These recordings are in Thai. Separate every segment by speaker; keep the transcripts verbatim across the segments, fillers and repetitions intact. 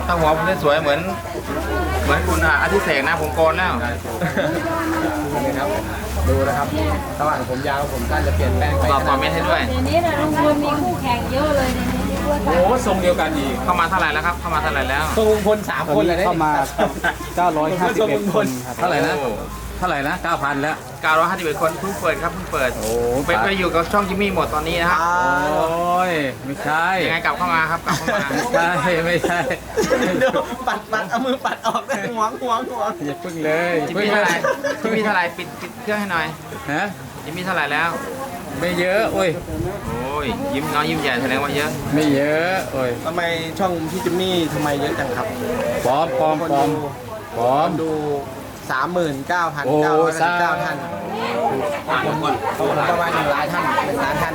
Speaker 1: ถ้าหัวผมสวยเหมือนเหมือนคุณอาทิเสกนะผมโกนแล้ว
Speaker 2: นี่ครับดูนะครับระหว่างผมยาวผมสั้นจะเปลี่ยนแปลงไป
Speaker 1: ตอบคอมเมนต์ให้ด้วย
Speaker 3: เดี๋ยวนี้นะลุงพลมีคู่แข่งเยอะเลยในนี้ด้วย
Speaker 2: โอ้ทรงเดียวกันอีก
Speaker 1: เข้ามาเท่าไหร่แล้วครับเข้ามาเท่าไหร่แล้ว
Speaker 2: ทรงลุงพลสามคนเลย
Speaker 4: เข้ามาเก้าร้อยห้าสิบเอ็ดคนครับ
Speaker 2: เท่าไหร่นะเท่าไหร่นะเก้าพันแล้ว
Speaker 1: เก้าร้อยห้าสิบเอ็ดคนเพิ่งเปิดครับเพิ่งเปิดโอ้ไปไปอยู่กับช่องจิมมี่หมดตอนนี้นะครับ
Speaker 2: โอ้ยไม่ใช่
Speaker 1: ยังไงกลับเข้ามาครับกลับเข้ามา
Speaker 2: ไม่ใช่ไม่ใช่เดี๋ยวปัดปัดเอามือปัดออกได้หวงหวงหวงอย่าพึ่งเลย
Speaker 1: จิมมี่เท่าไหร่จิมมี่เท่าไหร่ปิดปิดเครื่องให้หน่อย
Speaker 2: ฮะ
Speaker 1: จิมมี่เท่าไหร่แล้ว
Speaker 2: ไม่เยอะโอ้ย
Speaker 1: โอ้ยยิ้มน้อยยิ้มใหญ่แสดงว่าเยอะ
Speaker 2: ไม่เยอะโอ้ยทำไมช่องพี่จิมมี่ทำไมเยอะจังครับปลอมปลอมปลอมปลอมดูสามหมื่นเก้าพันเก้าร้อยสิบเก้าท่านผมประมาณหนึ่งล้านท่านเป็นล้านท่าน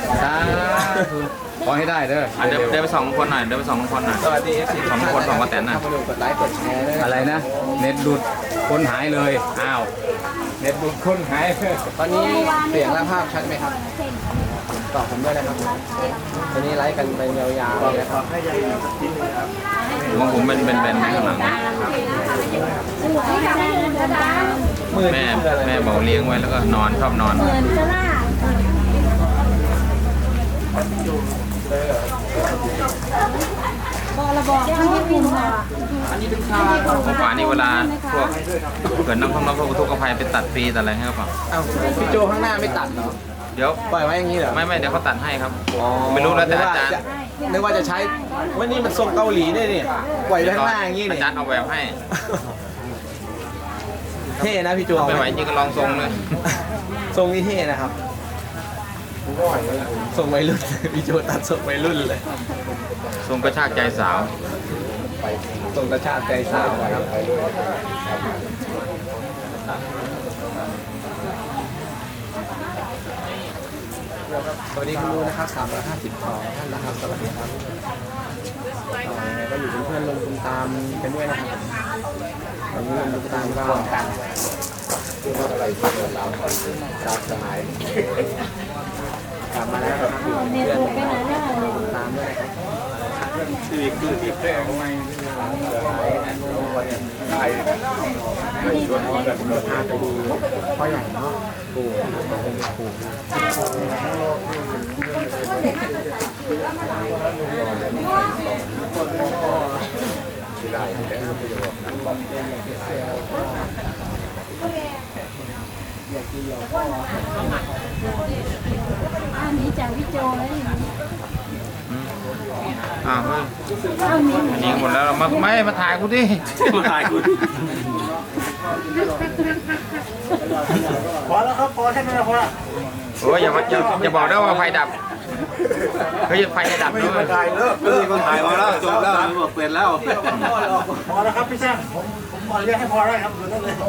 Speaker 2: ขอให้ได้เด้อ
Speaker 1: เดินเดินไปสองคนหน่อยเดินไปสองคนหน่อย
Speaker 2: สวัสดีเอฟซี
Speaker 1: สองคนสองกระแตนน่ะ
Speaker 2: กดไลค์กดแชร์อะไรนะเน็ตดุดคนหายเลยอ้าวเน็ตดุดคนหายตอนนี้เสียงและภาพชัดไหมครับตอบผมด้วยนะครับตอนนี้ไลค์กันไปยาวๆเลยนะครับ
Speaker 1: ของผมเป็นเป็นเป็นข้างหลังแม่แม่บอกเลี้ยงไว้แล้วก็นอนชอบนอน
Speaker 3: บอกระบอกที่ญี่ปุ่นอ่ะ
Speaker 1: ของป่านี่เวลาพวกเกิดน้ำท่วมน้ำท่วมอุทกภัยไปตัดฟรีตัดอะไรให้เขาเปล่า
Speaker 2: อ้าวพี่โจข้างหน้าไม่ตัดเหรอ
Speaker 1: เดี๋ยว
Speaker 2: ปล่อยไว้อย่างนี้เหรอ
Speaker 1: ไม่ไม่เดี๋ยวเขาตัดให้ครับไม่รู้แล้วแต่อาจารย์
Speaker 2: นึกว่าจะใช้วันนี้มันทรงเกาหลีได้เนี่ยปล่อยไว้ข้างหน้าอย่างนี้เนี่ย
Speaker 1: อาจารย์เอาแบบให้
Speaker 2: เท่นะพี่โจ
Speaker 1: ไม่ไหวจริงก็ลองทรงเลย
Speaker 2: ทรงนี้เท่นะครับทรงวัยรุ่นพี่โจตัดทรงวัยรุ่นเลย
Speaker 1: ทรงกระชากใจสาว
Speaker 2: ทรงกระชากใจสาวครับสวัสดีคุณลูนะครับสามร้อยห้าสิบสองท่านนะครับสวัสดีครับก็อยู่เป็นเพื่อนลงทุนตามกันด้วยนะครับตอนนี้ลงทุนตามก็กันอะไรเราตามสมัยกลับมาแล้วครับเพื่อนตามด้วยนะครับที่คือที่แท้ทำไมได้ไม่ชวนกันพาไปดูพ่อใหญ่เนาะปู่ปู่
Speaker 3: อันนี้จากวิโจแล้วอย่างนี้
Speaker 1: อ้าวเฮ้ยอันนี้หมดแล้วมาไม่มาถ่ายกูดิ
Speaker 2: มาถ่ายกูพอแล้วครับพอแค่นั้นพอละ
Speaker 1: โอ้ยอย่าอย่าอย่าบอกได้ว่าไฟดับเฮ้ยไฟจะดับด้วย
Speaker 2: ไม่ถ่ายเลิกเลิกถ่ายมาแล้วจบแล้วเปลี่ยนแล้ว
Speaker 5: พอแล้วครับพี่แซมผมผมขอเรียกให้พอได้ครับดูนั่นเลย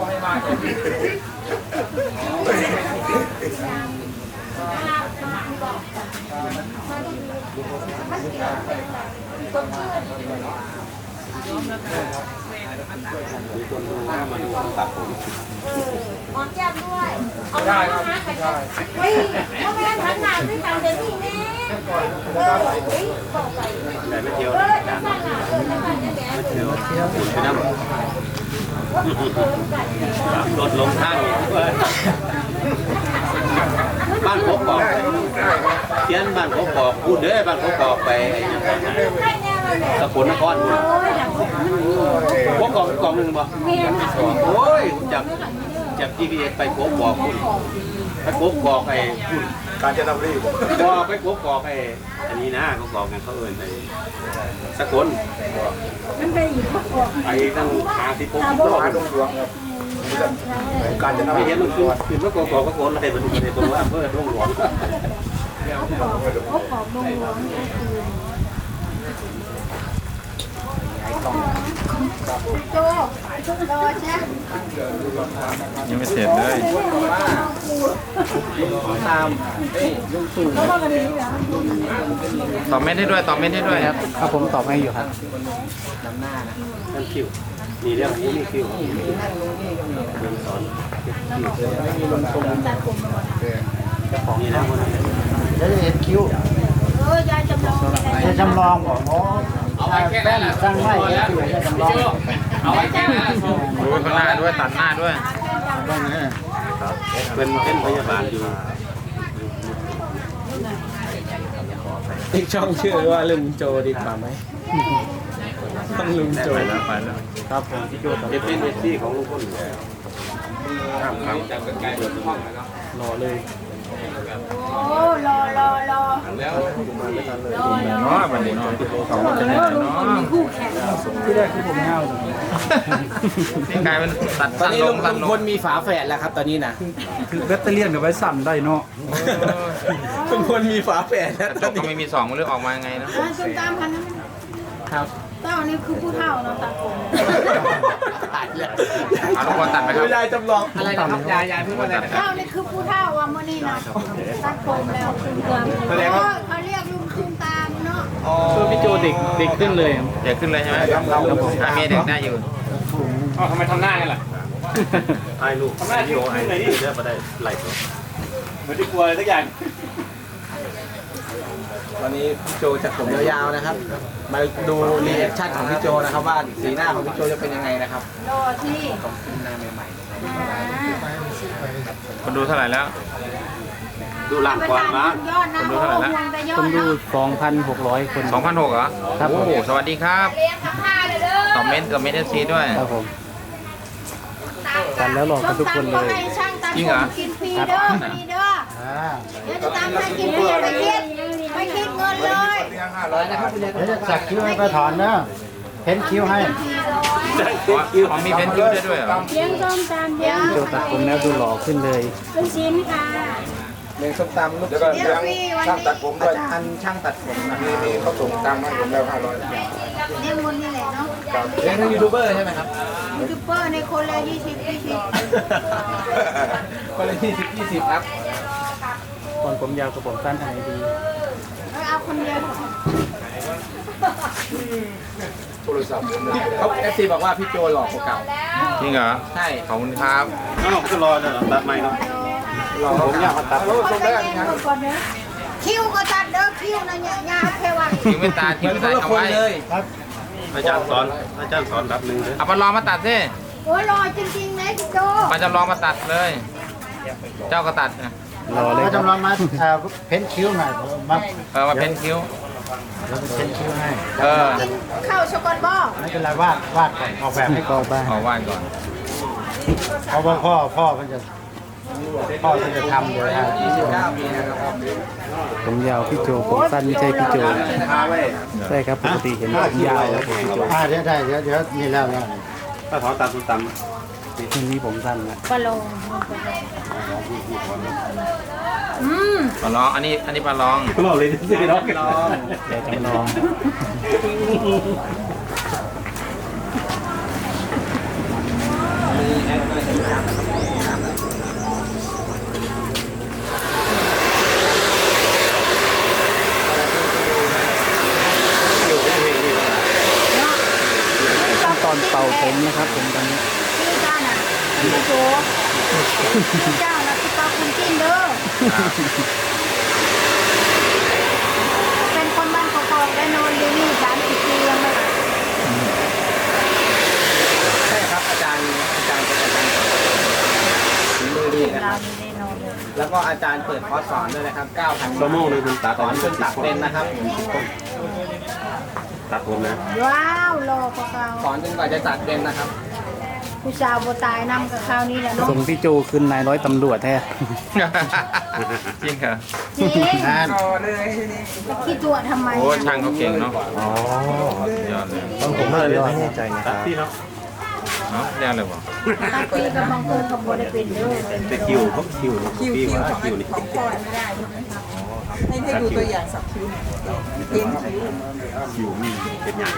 Speaker 3: หอมแก้มด้วยเอาได้ครับได้เฮ้ยทำไมทำงานด้วยกันเดี๋ยวนี้แม่เออเฮ้ยบอกไปแต่ไม่เที่ยวนะไม่เที่ยวไม่เที่ยวไม่เที่ยว
Speaker 2: โดดลงข้างบ้านพบบอกเทียนบ้านพบบอกพูดเด้อบ้านพบบอกไปสกลนครพบกองกองหนึ่งบ่โอ้ยจากจาก จี พี เอส ไปพบบอกคุณไปพบบอกไอ้คุณ
Speaker 5: การจะนำรีบ
Speaker 2: บอกไปพบบอกไอ้อันนี้นะเขาบอกกันเขาเอิญไปสกลไปตั้งหาที่พบที่
Speaker 5: หาดงหลวงครับการจะนำ
Speaker 2: ไม่เห็นมันคือคือเมื่อก่อนบอกก็โกนอะไรมันในตัวอำเภอดงหลวง
Speaker 3: พบของดงหลวงโจรอใช่
Speaker 1: ยังไม่เสร็จเลย
Speaker 2: ตามเอ้ยลุงตู่
Speaker 1: ตอบไม่ได้ด้วยตอบไม่ได้ด้วยครับ
Speaker 4: ครับผมตอบให้อยู่ครับ
Speaker 2: นำหน้านะนั่นคิวมีเรื่องนี้นี่คิวสอนมีลงตรงนี่นะคนนี้
Speaker 4: แล้วจะเห็นคิ้ว
Speaker 3: เออยายจำลอง
Speaker 4: ยายจำลองบอกอ๋อ
Speaker 1: เอาไว้แค่นั้นแหละ
Speaker 2: สร้างไม้แล้วที่ไหนจะจำลอง
Speaker 1: เอาไว้แค่นั้นแหละดูข้างหน้าด้วยตัดหน้าด้วย
Speaker 6: เป็นเป็นพยาบาลอยู่
Speaker 2: อีกช่องชื่อว่าลุงโจดีกว่าไหมต้องลุงโจ
Speaker 6: ไปแล้วไปแล้ว
Speaker 2: ครับผมพี่โจต่อ
Speaker 6: เอฟเป็นเอฟซีของลุงพลอยู่แล้วครับครับ
Speaker 2: รอเลย
Speaker 3: โอ้รอรอรอ
Speaker 1: แล้ว
Speaker 3: รอรอ
Speaker 1: เนาะวันนี้เนาะสองคนจะเนี่ยเนาะ
Speaker 3: คู่แข่ง
Speaker 4: ที่แรกที่ผมเงาจัง
Speaker 1: นี่กลายเป็นตัด
Speaker 2: ตอน
Speaker 1: สั้น
Speaker 2: นี้
Speaker 1: ล
Speaker 2: ลุ
Speaker 1: ง
Speaker 2: ง
Speaker 1: สั้นล
Speaker 2: พ
Speaker 1: ง
Speaker 2: ลมีฝาแฝดแล้วครับตอนนี้นะ
Speaker 4: คือแบตเตอรี่กับไว้สั่นได้เนาะ
Speaker 2: ลุงพลมีฝาแฝดแล้ว
Speaker 1: กระ
Speaker 2: ต
Speaker 1: จ
Speaker 2: อก น
Speaker 1: ก็
Speaker 2: นี้
Speaker 1: ไม่มีสองมันเลือกออกมาไงเนาะ
Speaker 3: อ่าส้มตามพันนั้น
Speaker 2: ครับ
Speaker 3: เต้านี่คือผู้เฒ่าเนาะตาโกน
Speaker 1: เอาทุกคนตัดไปครับ
Speaker 2: ยายจำลองอะไรนะครับยายยายพูดว่าอะไรนะครั
Speaker 3: เต้า
Speaker 2: บ
Speaker 3: นี่คือผู้เฒ่าว่ามื่อนี้นะตาโกนแล้วคุณเกือบเขาเรียกลุงคุณตามเนาะ
Speaker 4: คือพี่โจเด็กเด็กขึ้นเลย
Speaker 1: เด็กขึ้นเลยใช่ไหมหาเมียเด็กได้อยู่
Speaker 2: อ๋อทำไมทำหน้ากันล่ะ
Speaker 6: ให้ลูกให้พี่โอให้เดี๋ยวมาได้ไล่ตัว
Speaker 2: เหมือนที่กลัวอะไรสักอย่างวันนี้พี่โจจัดผมยาวๆนะครับ มาดูรีแอคชั่นของพี่โจนะครับว่าสีหน้าของพี่โจจะเป็นยังไงนะครับ
Speaker 3: รอที่
Speaker 2: หน้าใหม่
Speaker 1: คนดูเท่าไหร่แล้ว
Speaker 6: ดูหลังก่อนนะ
Speaker 3: ยอดนะโอ้โหแต่ยอ
Speaker 4: คน
Speaker 3: ด
Speaker 4: ดู
Speaker 3: เนาะ
Speaker 4: สองพันหกร้อยคน
Speaker 1: สองพันหกเหรอ
Speaker 4: ครับผม
Speaker 1: โอ้สวัสดีครับ
Speaker 3: เลี้ยงกับข้าเลยเด้อ
Speaker 1: คอมเมนต์คอมเมนต์เอฟซีด้วย
Speaker 4: ครับผม กันแล้วหลอกกันทุกคนเลย
Speaker 3: ให้ช่างตัด
Speaker 1: จริงเหรอ
Speaker 3: ผมกินฟรีเด้อฟรีเด้อเดี๋ยวจะตามให้กินฟรีไม่คิดไม่คิดเงินเลย
Speaker 2: ๆร้อยนะครับคุณยาย
Speaker 5: เดี๋ยวจะสักคิ้วให้ป้าถอนเนอะเพ้นคิ้วให้
Speaker 1: อ๋อมีเพนคิวได้ด้วยเหรอ
Speaker 3: เลี้ยงส้มตำเลี้ยง
Speaker 4: โจตัดผมแล้วดูหล่อขึ้นเลย
Speaker 3: ลูกชิ้นค่ะ
Speaker 2: เลี้ยงส้มตำลูก
Speaker 3: เลี้ยงฟรีวันนี้
Speaker 2: อาจารย์ช่างตัดผมนะมีมีเขาส่งตังค์มาผมแล้วห้าร้อย
Speaker 3: เลี้ยงคนนี่แหละเนาะ
Speaker 2: เลี้ยงทั้งยูทูบเบอร์ใช่ไหมครับ
Speaker 3: ยูทูบเบอร์ในคนละยี่สิบยี่สิบ
Speaker 2: คนละยี่สิบยี่สิบครับ
Speaker 4: ตอนผมยาวกับผมสั้นอะไรดี
Speaker 3: เอาคนเดียว
Speaker 2: เขาเอฟซีบอกว่าพี่โจหล่อกว่าเก่า
Speaker 1: จริงเหรอ
Speaker 2: ใช่
Speaker 1: ขอบคุณครับ
Speaker 6: อ้าวก็รอเนี่ยตัดใหม่เนาะ
Speaker 2: หล่อกผมอยากมาตัด
Speaker 3: คนไปเลี้ยงก่อนเนอะคิวก็ตัดเด้อคิวนะเนี่ยยาแค่ว่า
Speaker 1: คิวไม่ตัด
Speaker 2: เห
Speaker 1: คิ
Speaker 2: มื
Speaker 1: ว
Speaker 2: อน
Speaker 1: ไม่
Speaker 2: ค
Speaker 1: ตัด
Speaker 2: นละ
Speaker 1: เอา
Speaker 2: คน
Speaker 1: ไว้
Speaker 2: เลย
Speaker 6: อาจารย์สอนอาจารย์สอนรับหนึ่งเลย
Speaker 1: เอาปลาลองมาตัดสิ
Speaker 3: โอ้ยรอจริงๆนะพี่โจ
Speaker 1: ปลาจำลองมาตัดเลย เจ้าก็ตัดนะ
Speaker 4: รอเลย
Speaker 5: ก็
Speaker 4: ครับ
Speaker 5: จำลองมาเอ่อเพ้นคิ้วหน่อยมา
Speaker 1: เออมาเพ้นคิ้ว
Speaker 5: แล้วเพ้นคิ้วให้
Speaker 1: เออ
Speaker 3: เข้าช็อกโกแลตบอล
Speaker 5: ไม่เป็นไรวาดวาดก่อนออกแบบให้
Speaker 4: ก็บ้าน
Speaker 1: ขอวาดก่อน
Speaker 5: เพราะว่าพ่อพ่อมันจะพ่อมันจะทำเดี๋ยวฮะ
Speaker 2: ยี่สิบเก้าปีนะครับ
Speaker 4: ผมยาวพี่โจผมสั้นไม่ใช่พี่โจ
Speaker 5: พาไว้
Speaker 4: ใช่ครับปกติเห็นผมยาวแล้วผมพี่โจ
Speaker 5: อ่าเดี๋ยวได้เดี๋ยวเดี๋ยวนี่แล้วเนี่ย
Speaker 6: ถ้าถอนตามส้มตำ
Speaker 4: ทีนี้ผมสั้นละ
Speaker 3: ปลาโลอืม
Speaker 1: ปลาลอง อันนี้ อันนี้ปลาลอง
Speaker 6: ก็เราเลยสิเนาะ
Speaker 2: ลอง
Speaker 4: เดี๋ยวจำลอง
Speaker 2: มีแอดก็จะตามนะครับ
Speaker 4: ขั้นตอนเป่าผมนะครับผมตอนนี้
Speaker 3: พี่จ้าน่ะพี่โจพี่เจ้าน่ะพี่ปาคุณจิ้นเด้อเป็นคนบ้านกอกๆได้นอนอยู่นี่สามสิบปียังไม่
Speaker 2: ใช่ครับอาจารย์อาจารย์เป็นอาจารย์ฝีมือดีนะครับ
Speaker 3: ได้นอนเลย
Speaker 2: แล้วก็อาจารย์เปิดคอร์สสอนด้วยนะครับเก้าพัน
Speaker 6: ชั่วโมงนึงคุณตัด
Speaker 2: สอนจนตัดเป็นนะครับ
Speaker 6: ตัดผมนะ
Speaker 3: ว้าวรอกว่าเขา
Speaker 2: สอนจนกว่าจะตัดเป็นนะครับ
Speaker 3: ผู้สาวโบตายนำกับคราวนี้แหละเนาะ
Speaker 4: ส่งพี่โจขึ้นนายร้อยตำรวจแท้
Speaker 1: จริงเหรอ
Speaker 3: จริง
Speaker 5: งาน
Speaker 3: จะคิดตัวทำไม
Speaker 1: โอ้ช่างเขาเก่งเนาะ
Speaker 5: อ๋อย
Speaker 1: อดเลย
Speaker 5: ต้องผมเลยไม่แน่ใจนะค
Speaker 6: ตั
Speaker 5: รั
Speaker 6: ด
Speaker 5: บ
Speaker 6: ที่เนาะ
Speaker 1: เนาะเรียกเลยบอก
Speaker 3: ตัดปีกับบางคนเขาบ่ได้เป็นเด้อ
Speaker 6: แต่คิวเขาคิวคิวคิวคิวนี่
Speaker 7: ให้ให้ดูตัวอย่างสับคิ้วหน่อยเอ็นคิ้ว
Speaker 6: คิวมีเป็นอย่าง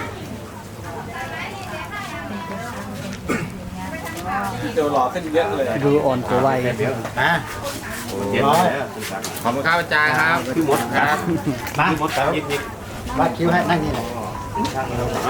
Speaker 2: เดี๋ยวหล่อขึ้นเยอะเลย
Speaker 4: ดูอ่อนกว่าวัย
Speaker 5: อ่ะ
Speaker 6: เจ็ดแล้ว
Speaker 1: ขอบคุณครับอาจารย์ครับ
Speaker 6: พี่มด
Speaker 1: ครับ
Speaker 5: มา
Speaker 6: พี่มดตัดยิบยิบ
Speaker 5: วาดคิ้วให้นั่งนี่แหละ